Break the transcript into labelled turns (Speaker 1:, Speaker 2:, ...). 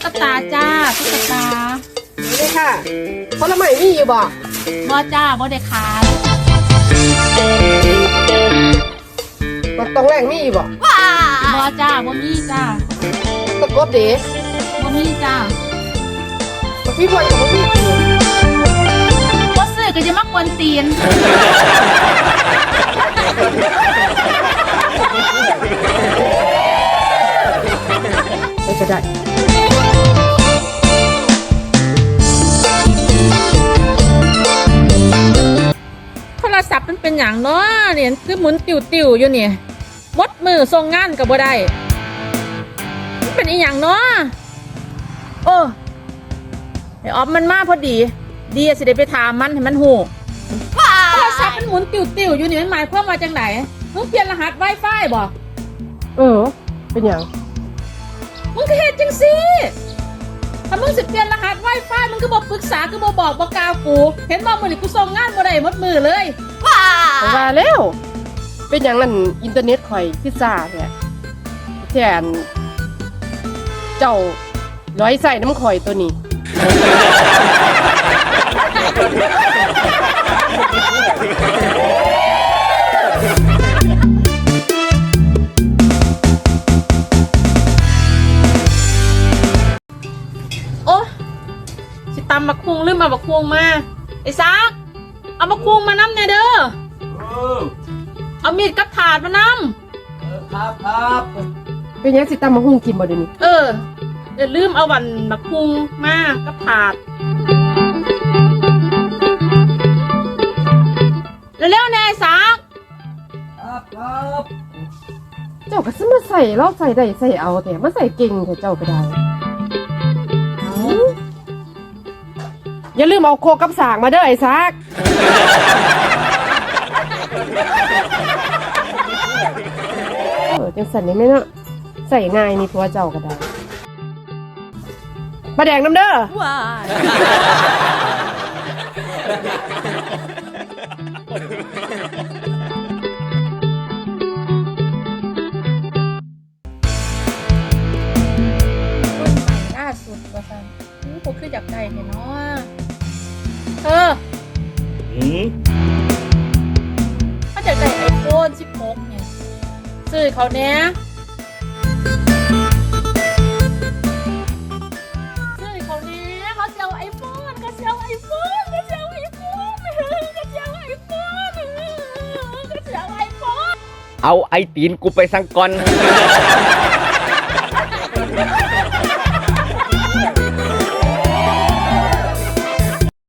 Speaker 1: กตาจ้าตุ๊กตา
Speaker 2: นี่ค่ะผลไม้มีอยู่บ่
Speaker 1: บ่จ้าบ่ได้ขาย
Speaker 2: มันต้องแรงมีอยู่บ่
Speaker 1: บ่จ้าบ่มีจ้า
Speaker 2: ตะกบเด้
Speaker 1: บ่มีจ้า
Speaker 2: มันพี่บวนกับมันพี่
Speaker 1: บ่ซื้อก็จะมากวนตีน
Speaker 2: ไม่จะได้
Speaker 1: โทรศัพท์มันเป็นอย่างเนาะเนี่ยคือหมุนติวๆอยู่นี่มดมือส่งงานก็บ่ได้มันเป็นอีหยังเนาะโอ้ไอ้ออฟมันมาพอดีสิได้ไปถามมันให้มันฮู้โทรศัพท์มันหมุนติวๆอยู่นี่มันหมายความว่าจังไดมึงเปลี่ยนรหัส Wi-Fi บ่
Speaker 2: เป็นอย่าง
Speaker 1: มึงก็เฮ็ดจังซี่ถ้ามึงสิเปลี่ยนรหัส Wi-Fi มึงก็บ่ปรึกษาก็บ่บอกบ่กล่าวกูเห็นบ่มื้อนี้กูส่งงานบ่ได้หมดมือเลย
Speaker 2: ว่าแล้วเป็นอย่างนั้นอินเทอร์เน็ตข่อยคือซ่าเนี่ยแทนเจ้าร้อยใส่น้ำข่อยตัวนี้
Speaker 1: โอ้สิตำบักคุงลืมเอาบักคุงมาไอ้ซักเอาบักคุงมานำแน่เด้อเอามีดกับถาดมานำ
Speaker 3: ครับ
Speaker 2: เป็นอย่างสิตามมาหุ้งกินบ่เดี๋ยวนี้
Speaker 1: เดี๋ยวลืมเอาวันบักคุงมากับถาดเร็วๆแน่ไอ้ซัก
Speaker 3: ครับ
Speaker 2: เจ้าก็ซื้อมาใส่เราใส่ได้ใส่เอาแต่มาใส่เก่งแต่เจ้าก็ได้อย่าลืมเอาโคกับสางมาเด้อไอ้ซักจังสันนี่ไหมเนาะใส่ง่ายนี่ทัวเจ้าก็ได้มาแดงน้ำเด้อ
Speaker 1: ว้าล่าสุดว่าซั่นกูคืออยากได้แท้เนาะถ้าอยากได้ iPhone 16เนี่ยซื้อเขาเนี้ยซื้อเขาเนี้ยเขาจะเอา iPhone เขาจะเอา iPhone เขาจะเอา iPhone เขาจะเอา iPhone เขาจะเอา iPhone
Speaker 3: เอาไอตีนกูไปสังก่อน